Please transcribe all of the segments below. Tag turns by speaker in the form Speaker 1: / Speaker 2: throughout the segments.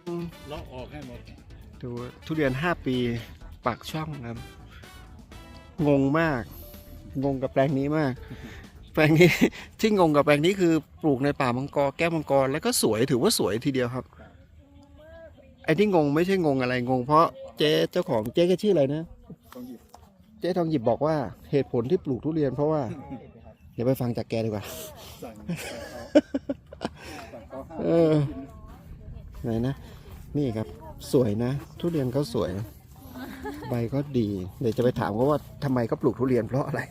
Speaker 1: เลาะออกให้หมด
Speaker 2: ดูทุเรียน5 ปีปากช่องครับ งงมาก งงกับแปลงนี้มาก แปลงนี้ ที่งงกับแปลงนี้คือปลูกในป่ามังกรแก้วมังกรแล้วก็สวยถือว่าสวยทีเดียวครับไอ้ที่งงไม่ใช่งงอะไรงงเพราะเจ๊เจ้าของเจ๊แกชื่ออะไรนะเจ๊ทองหยิบบอกว่าเหตุผลที่ปลูกทุเรียนเพราะว่าเดี๋ยวไปฟังจากแกดีกว่า เออไหนนะนี่ครับสวยนะ ทุเรียนเขาสวย ใบก็ดีเดี๋ยวจะไปถามเขาว่าทำไมเขาปลูกทุเรียนเพราะอะไร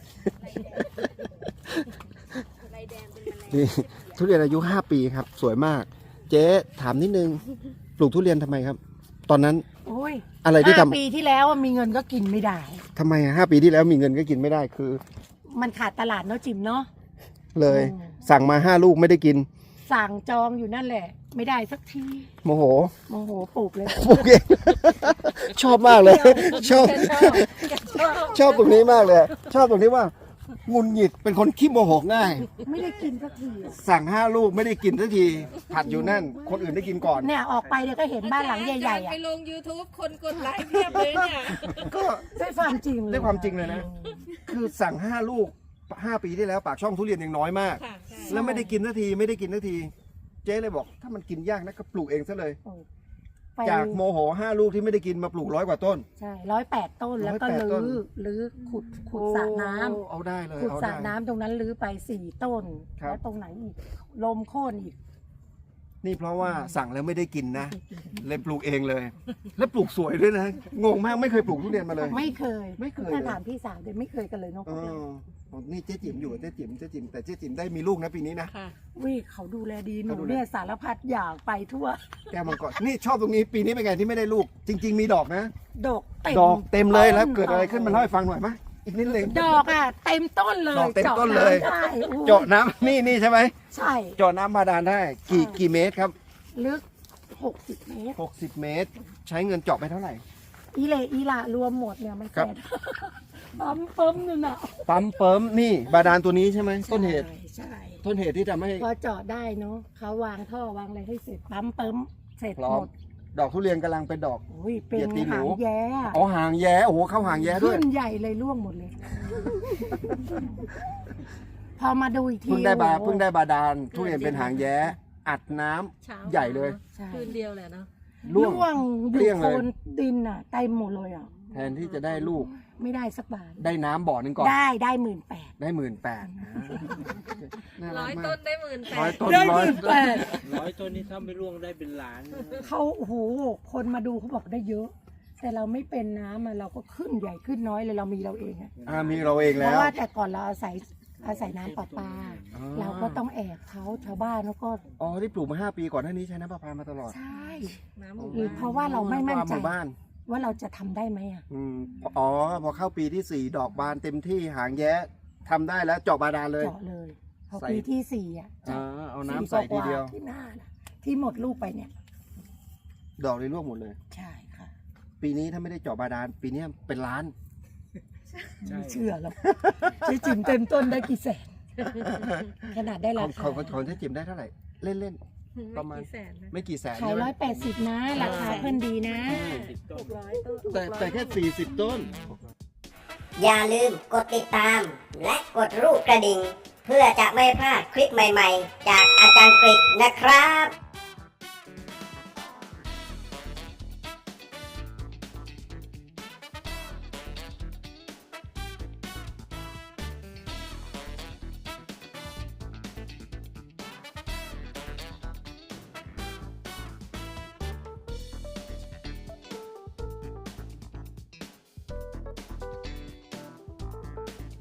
Speaker 2: นี่ทุเรียนอายุ5 ปีครับ สวยมาก เจ๊ถามนิดนึงปลูกทุเรียนทำไมครับ ตอนนั้น
Speaker 3: โอ้ย
Speaker 2: อะไรที่ทำ
Speaker 3: 5 ปีที่แล้วมีเงินก็กินไม่ได้
Speaker 2: ทำไม5 ปีที่แล้วมีเงินก็กินไม่ได้คือ
Speaker 3: มันขาดตลาดเนาะจิมเนาะ
Speaker 2: เลย
Speaker 3: อืม
Speaker 2: สั่งมา5 ลูกไม่ได้กิน
Speaker 3: สั่งจองอยู่นั่นแหละ ไม่ได้สักที
Speaker 2: โมโห
Speaker 3: โมโหปลูกเลย
Speaker 2: ปลูกเอง ชอบมากเลย ชอบ ชอบตรงนี้มากเลย ชอบตรงที่ว่าหงุนหงิดเป็นคนขี้โมโหง่าย
Speaker 3: ไม่ได้กินสักทีอะ
Speaker 2: สั่ง5 ลูกไม่ได้กินสักทีผัดอยู่นั่น คนอื่นได้กินก่อน
Speaker 3: เนี่ยออกไปเดี๋ยวก็เห็นบ้านหลังใหญ่ๆ
Speaker 4: ไป
Speaker 3: อ่ะ
Speaker 4: ลง YouTube คนกดไลค์เพียบเลยเนี่ย
Speaker 2: ก็
Speaker 3: ด้วยความจริงเลย
Speaker 2: ด้วยความจริงเลยนะ คือสั่ง5 ลูก5 ปีที่แล้วปากช่องทุเรียนยังน้อยมาก
Speaker 4: ค่ะใช่
Speaker 2: แล้วไม่ได้กินสักทีไม่ได้กินสักที เจ๊เลยบอกถ้ามันกินยากนะก็ปลูกเองซะเลย
Speaker 3: ไป
Speaker 2: จากโมโห5 ลูกที่ไม่ได้กินมาปลูก100 กว่าต้น
Speaker 3: ใช่108 ต้นแล้วก็
Speaker 2: 108ต้น
Speaker 3: ลื้อขุดสระน้ำ
Speaker 2: โอ้เอาได้เลย
Speaker 3: ขุด
Speaker 2: เอา
Speaker 3: สระ
Speaker 2: ได้
Speaker 3: น้ำตรงนั้นลื้อไป4 ต้น
Speaker 2: ครับ
Speaker 3: แล้วตรงไหนอีกลมโค่นอีก
Speaker 2: นี่เพราะว่าสั่งแล้วไม่ได้กินนะ เลยปลูกเองเลย แล้วปลูกสวยด้วยนะ งงมากไม่เคยปลูกทุเรียนมาเลย
Speaker 3: ไม่เคย
Speaker 2: ไม่เคย
Speaker 3: ถ้า
Speaker 2: เลย
Speaker 3: ถามพี่สาวเดี๋ยวไม่เคยกันเลยเนก
Speaker 2: เออนี่เจ๊จิ๋มอยู่เจ๊จิ๋มแต่เจ๊จิ๋มได้มีลูกนะปีนี้นะ
Speaker 4: ค่ะ
Speaker 3: วิเขาดูแลดีหนู
Speaker 2: เขาดูแล
Speaker 3: เนี่ยสารพัดอย่างไปทั่ว
Speaker 2: แก้วมังกรนี่ชอบตรงนี้ปีนี้เป็นไงที่ไม่ได้ลูก จริง ๆ มีดอกนะ
Speaker 3: ดอกเต็ม
Speaker 2: ดอกเต็มเลยแล้ว
Speaker 3: ต้น
Speaker 2: เกิดอะไรขึ้นมาเล่าให้ฟังหน่อยไหมอีกนิดนึง
Speaker 3: ดอกอ่ะเต็มต้นเลย
Speaker 2: ดอกเต็มต้นเลย
Speaker 3: จาะำได้โอ้
Speaker 2: เจาะน้ำนี่ใช่ไหม
Speaker 3: ใช่
Speaker 2: เจาะน้ำบาดาลได้กี่เมตรครับ
Speaker 3: ลึก60 เมตร
Speaker 2: 60 เมตร ใช้เงินเจาะไปเท่าไหร่
Speaker 3: อีเลอีละรวมหมดเนี่ยมัน
Speaker 2: ครั
Speaker 3: แส
Speaker 2: บ
Speaker 3: น ปั๊มเปิมนึงอ่ะ
Speaker 2: ปั๊มเปิมนี่บาดาลตัวนี้ใช่ไหมต้นเหตุ
Speaker 3: ใช่
Speaker 2: ต้นเหตุที่ทำให้
Speaker 3: พอเจาะได้เนาะเขาวางท่อวางอะไรให้เสร็จปั๊มเปิมเสร็จ
Speaker 2: พร้อ
Speaker 3: ห
Speaker 2: ม
Speaker 3: มด
Speaker 2: ดอกทุเรียนกำลังเป็นดอก
Speaker 3: โอ้ยเป็น
Speaker 2: เหยียดตีนหนู
Speaker 3: หางแย้
Speaker 2: อ๋อหางแย้โอ้โหเข้าหางแย้ด้วย
Speaker 3: ขึ้นใหญ่เลยร่วงหมดเลย พอมาดูอีกที
Speaker 2: เพิ่งได้
Speaker 3: โอ้โห
Speaker 2: บาดาลทุเรียนเป็นหางแย้อัดน้ำ
Speaker 4: เช้า
Speaker 2: ใหญ่เลย
Speaker 3: ใช่
Speaker 4: คืนเดียวแหละเนาะ
Speaker 2: ร่วง
Speaker 3: ร่วงอ
Speaker 2: เกลี้
Speaker 3: ยู่
Speaker 2: ยง
Speaker 3: โค
Speaker 2: เลย
Speaker 3: นดินอ่ะเต็มหมดเลยอ่ะ
Speaker 2: แทนที่จะได้ลูก
Speaker 3: ไม่ได้สักบาท
Speaker 2: ได้น้ำบ่อหนึ่งก่อน
Speaker 3: ได้18,000
Speaker 2: ได้18,000น่ารั
Speaker 4: ร้
Speaker 2: ก
Speaker 4: อย
Speaker 2: มา
Speaker 4: ต้
Speaker 2: ก
Speaker 4: นได้18,000
Speaker 2: ร้อยต้น
Speaker 3: ได้
Speaker 2: ร้อย
Speaker 1: 100 ต้นนี้ถ้าไม่ร่วงได้เป็นล้านนะ
Speaker 3: เขาโอ้โหคนมาดูเขาบอกได้เยอะ แต่เราไม่เป็นน้ำอะเราก็ขึ้นใหญ่ขึ้นน้อยเลยเรามีเราเองอะ
Speaker 2: มีเราเอง
Speaker 3: เพ
Speaker 2: แล้ว
Speaker 3: ราะว่าแต่ก่อนเราอาศัยน้ำประปา
Speaker 2: อ๋อ
Speaker 3: เราก็ต้องแอบเขาชาวบ้านแล้วก็
Speaker 2: อ๋อที่ปลูกมา5 ปีก่อนหน้านี้ใช้น้ำประปามาตลอด
Speaker 3: ใช่
Speaker 4: น้ำหมู่
Speaker 3: เพราะว่าเราไม่มั่นใจ
Speaker 2: หมู่บ้าน
Speaker 3: ว่าเราจะทำได้ไหมอะ
Speaker 2: อ๋อพอเข้าปีที่ 4 ดอกบานเต็มที่หางแย้ทำได้แล้วเจาะบาดาลเลย
Speaker 3: เจาะเลยพอ
Speaker 2: ใส่
Speaker 3: ปีที่4อ่ะ
Speaker 2: เอาน้ำใส่ทีเดียว
Speaker 3: ที่หน้าน่ะที่หมดลูกไปเนี่ย
Speaker 2: ดอกเลยร่วงหมดเลย
Speaker 3: ใช่ค่ะ
Speaker 2: ปีนี้ถ้าไม่ได้เจาะบาดาลปีนี้เป็นล้าน
Speaker 3: ไม่เชื่อหรอกใช้จิ๋มเต็มต้นได้กี่แสนขนาดได้รา
Speaker 2: ของ
Speaker 3: คา
Speaker 2: ของเจ๊จิ๋มได้เท่าไหร่ เล่น ประมาณ
Speaker 4: กี่แสนนะ
Speaker 2: ๆ ไม่กี่แสน
Speaker 3: ขาย
Speaker 2: ใช่ไหม
Speaker 3: 180นะราคาเพิ่นดีนะ
Speaker 1: 10 ต้น
Speaker 4: 600 ต้น
Speaker 2: แต่แค่40 ต้น
Speaker 5: อย่าลืมกดติดตาม และกดรูปกระดิ่ง เพื่อจะไม่พลาดคลิปใหม่ๆ จากอาจารย์กฤษนะครับ